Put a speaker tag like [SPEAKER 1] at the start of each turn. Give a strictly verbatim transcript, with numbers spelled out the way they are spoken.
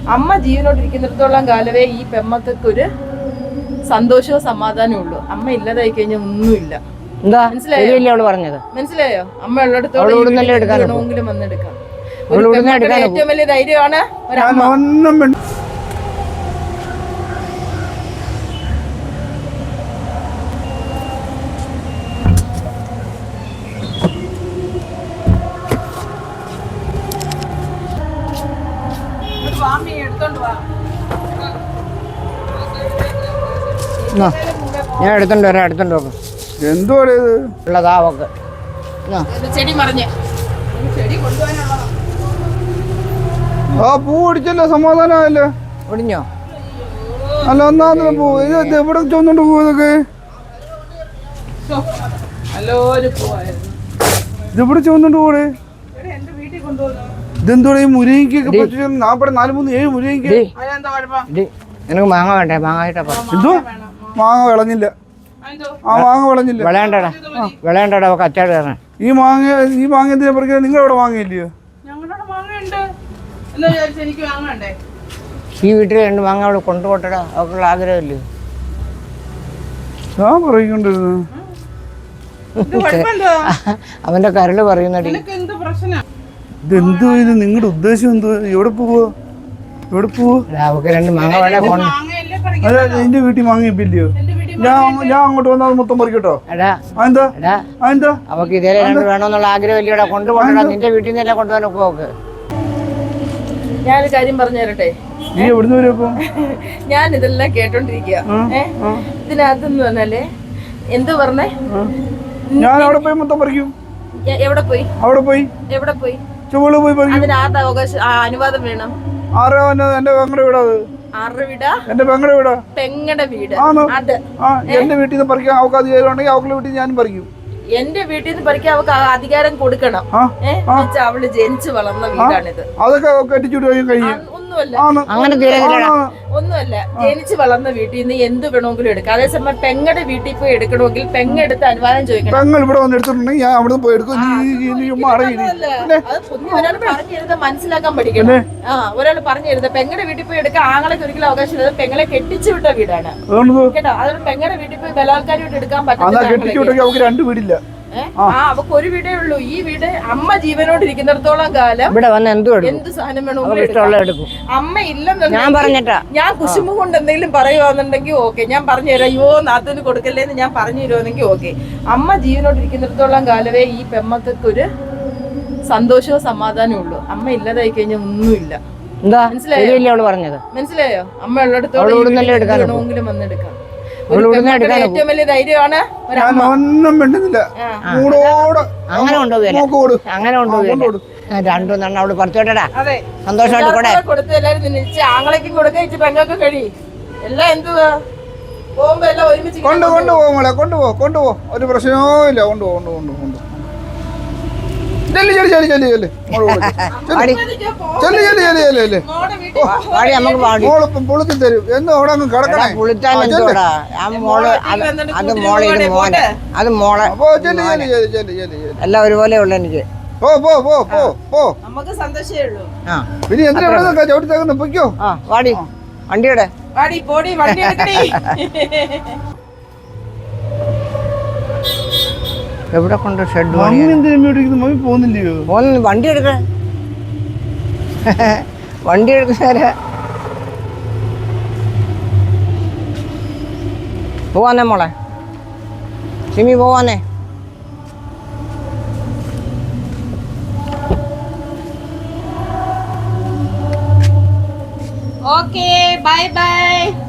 [SPEAKER 1] അമ്മ ജീവനോട്ടിരിക്കുന്നിടത്തോളം കാലമേ ഈ പെമ്മക്കൊരു സന്തോഷവും സമാധാനവും ഉള്ളൂ. അമ്മ ഇല്ലാതായി കഴിഞ്ഞാൽ ഒന്നുമില്ല. മനസ്സിലായോ? മനസ്സിലായോ? അമ്മ ഉള്ളിടത്തോളം വേണമെങ്കിലും വന്നെടുക്കാം. ഏറ്റവും വലിയ ധൈര്യമാണ് ഒരമ്മ.
[SPEAKER 2] ഞാൻ എടുത്തോണ്ട് വരാം, എടുത്തോണ്ട് നോക്കാം.
[SPEAKER 3] എന്തോ
[SPEAKER 2] ഉള്ളതാ അവക്ക്.
[SPEAKER 1] ചെടി മറിഞ്ഞ്
[SPEAKER 3] ആ പൂ ഒടിച്ചല്ലോ, സമാധാനമായല്ലോ.
[SPEAKER 2] ഒടിഞ്ഞോ?
[SPEAKER 3] അല്ല ഒന്നാമത് പൂ ഇത് എവിടെ ചോന്നുകൊണ്ട് പോയതൊക്കെ ഇതെവിടെ ചോന്നുകൊണ്ട് പോടെ? ഇതെന്തോടെ ഈ മുരിങ്ങയ്ക്കൊക്കെ നാപ്പടെ നാല് മൂന്ന് ഏഴ് മുരിങ്ങയ്ക്ക്.
[SPEAKER 2] നിനക്ക് മാങ്ങ വേണ്ടേ? മാങ്ങ
[SPEAKER 3] എന്തോ മാങ്ങ വിളഞ്ഞില്ല. ആ മാങ്ങ വിളഞ്ഞില്ല.
[SPEAKER 2] വിളയണ്ടടാ, വിളയണ്ടടാ അവക്ക് അച്ചാട് കയറാൻ.
[SPEAKER 3] ഈ മാങ്ങ ഈ മാങ്ങ എന്തിനാ പറിക്കാൻ? നിങ്ങൾ അവിടെ മാങ്ങയില്ലയോ?
[SPEAKER 2] ഈ വീട്ടിൽ രണ്ട് മാങ്ങ അവിടെ കൊണ്ടുപോട്ടടാ, അവക്കുള്ള ആഗ്രഹമില്ലയോ?
[SPEAKER 3] ഞാൻ പറയിക്കൊണ്ടിരുന്നു.
[SPEAKER 2] അവന്റെ കരള് പറയുന്നടി.
[SPEAKER 3] ഇതെന്തോ ഇത്? നിങ്ങളുടെ ഉദ്ദേശം എന്തോ? എവിടെ പോവോ? എവിടെ പോവോ?
[SPEAKER 2] അവക്ക് രണ്ട് മാങ്ങ വേണേ കൊണ്ട്.
[SPEAKER 3] അല്ല എന്റെ വീട്ടിൽ മാങ്ങിയില്ലയോ? ഞാൻ ഞാൻ അങ്ങോട്ട് വന്നാൽ മൊത്തം പറിക്കട്ടോ? എന്താ എന്താ
[SPEAKER 2] അവക്ക് ഇതേ രണ്ട് വേണമെന്നുള്ള ആഗ്രഹം ഇല്ലയോടാ? കൊണ്ടുപോകണ നിന്റെ വീട്ടിൽ നിന്നല്ലേ കൊണ്ടുപോകാൻ ഒക്കും അവക്ക്.
[SPEAKER 1] ഞാനൊരു കാര്യം പറഞ്ഞു തരട്ടെ.
[SPEAKER 3] നീ എവിടുന്ന് വരും?
[SPEAKER 1] ഞാൻ ഇതെല്ലാം കേട്ടോണ്ടിരിക്കുക. ഇതിനകത്തെന്ന് പറഞ്ഞാല് എന്ത് പറഞ്ഞേ?
[SPEAKER 3] ഞാൻ അവിടെ പോയി മൊത്തം പറിക്കും.
[SPEAKER 1] എവിടെ പോയി?
[SPEAKER 3] അവിടെ പോയി
[SPEAKER 1] എവിടെ പോയി?
[SPEAKER 3] ചുവട് പോയി പറിക്കും.
[SPEAKER 1] അതിന് ആരുടെ അവകാശം, അനുവാദം വേണം?
[SPEAKER 3] ആരാ എന്റെ പെങ്ങളുടെ വീടാ അത്?
[SPEAKER 1] ആരുടെ വീടാ?
[SPEAKER 3] എന്റെ പെങ്ങളുടെ വീടാ.
[SPEAKER 1] പെങ്ങളുടെ വീട്.
[SPEAKER 3] അത് എന്റെ വീട്ടിൽ നിന്ന് പറിക്കാൻ അവർക്ക് അധികാരം ഉണ്ടെങ്കിൽ അവരുടെ വീട്ടിൽ ഞാനും പറിക്കും.
[SPEAKER 1] എന്റെ വീട്ടിൽ നിന്ന് പറിക്കാൻ അവർക്ക് അധികാരം കൊടുക്കണം. അവള് ജനിച്ചു വളർന്ന വീടാണിത്.
[SPEAKER 3] അതൊക്കെ കെട്ടിച്ചുവിട്ട് കഴിയും.
[SPEAKER 1] ഒന്നുമല്ല, ഒന്നുമല്ല. ജനിച്ചു വളർന്ന വീട്ടിൽ നിന്ന് എന്ത് വേണമെങ്കിലും എടുക്കാം. അതേസമയം പെങ്ങളുടെ വീട്ടിൽ പോയി എടുക്കണമെങ്കിൽ പെങ്ങെടുത്ത് അനുവാദം ചോദിക്കണം.
[SPEAKER 3] പെങ്ങൾ ഇവിടെ വന്ന് എടുത്തിട്ടുണ്ടെങ്കിൽ ഞാൻ അവിടെ പോയി എടുക്കും.
[SPEAKER 1] ഒരാൾ പറഞ്ഞു തരുന്നത് മനസ്സിലാക്കാൻ പഠിക്കണം. ആ ഒരാൾ പറഞ്ഞു തരുന്നത് പെങ്ങളുടെ വീട്ടിൽ പോയി എടുക്കാൻ ആങ്ങളൊക്കെ ഒരിക്കലും അവകാശം ഇല്ല. പെങ്ങളെ കെട്ടിച്ചു വിട്ട വീടാണ് കേട്ടോ. അതുകൊണ്ട് പെങ്ങളുടെ വീട്ടിൽ പോയി ബലാത്കാരമായിട്ട് എടുക്കാൻ പറ്റില്ല.
[SPEAKER 3] രണ്ട് വീടില്ല.
[SPEAKER 1] ആ അവക്ക് ഒരു വീടേ ഉള്ളൂ. ഈ വീട് അമ്മ ജീവനോടിരിക്കുന്നിടത്തോളം കാലം
[SPEAKER 2] ഇവിടെ വന്ന്
[SPEAKER 1] എന്ത് സാധനം വേണമെങ്കിലും അമ്മ ഇല്ലെന്നുണ്ടെങ്കിൽ ഞാൻ കുശുമ്പ് കൊണ്ട് എന്തെങ്കിലും പറയുവാന്നുണ്ടെങ്കിൽ ഓക്കെ, ഞാൻ പറഞ്ഞു തരാം. അയ്യോ നാത്തൂന് കൊടുക്കല്ലേന്ന് ഞാൻ പറഞ്ഞു തരുവാണെങ്കിൽ ഓക്കെ. അമ്മ ജീവനോടിരിക്കുന്നിടത്തോളം കാലമേ ഈ പെമ്മക്കൊരു സന്തോഷവും സമാധാനവും ഉള്ളൂ. അമ്മ ഇല്ലാതായി കഴിഞ്ഞാൽ ഒന്നുമില്ല. മനസ്സിലായോ? മനസ്സിലായോ? അമ്മ ഉള്ളിടത്തോളം വേണമെങ്കിലും വന്നെടുക്കാം. ഏറ്റവും വലിയ ധൈര്യമാണ്
[SPEAKER 3] ഒന്നും മിണ്ടുന്നില്ല.
[SPEAKER 2] അങ്ങനെ കൊണ്ടുപോകും, അങ്ങനെ കൊണ്ടുപോകും. രണ്ടു നണ്ണ അവിടെ പറിച്ചോട്ടടാ. സന്തോഷമായിട്ട്
[SPEAKER 1] കൊടുത്ത് എല്ലാരും തിന്നിച്ച് ആങ്ങളേക്കും കൊടുക്ക, പെങ്ങൾക്ക് കഴി എല്ലാം എന്തുവാ പോകുമ്പോ എല്ലാം ഒരുമിച്ച്
[SPEAKER 3] കൊണ്ട് കൊണ്ടുപോകും. മോളെ കൊണ്ടുപോ കൊണ്ടുപോ ഒരു പ്രശ്നവും ഇല്ല. കൊണ്ടുപോ കൊണ്ടു കൊണ്ടു കൊണ്ടു തരും എന്ന് അവിടെ അങ്ങ് കിടക്കണേ.
[SPEAKER 2] എല്ലാം ഒരുപോലെ ഉള്ളു എനിക്ക്.
[SPEAKER 3] പോ പോ പോ പോ പോ.
[SPEAKER 1] നമുക്ക് സന്തോഷമേ ഉള്ളൂ.
[SPEAKER 3] പിന്നെ എന്തിനാ ചവിട്ടി തേക്കുന്ന? പൊയ്ക്കോ.
[SPEAKER 2] വാടി വണ്ടിയുടെ
[SPEAKER 1] വാടി പോടി വണ്ടി എടുക്കണേ.
[SPEAKER 2] എവിടെ കൊണ്ട് ഷെഡ്
[SPEAKER 3] പോകുന്നില്ലയോ?
[SPEAKER 2] പോകുന്നു. വണ്ടി എടുക്ക, വണ്ടി എടുക്കുന്നേരെ പോവാന്നേ മോളെ. സിമി പോവാന്നേ.
[SPEAKER 1] Okay bye by.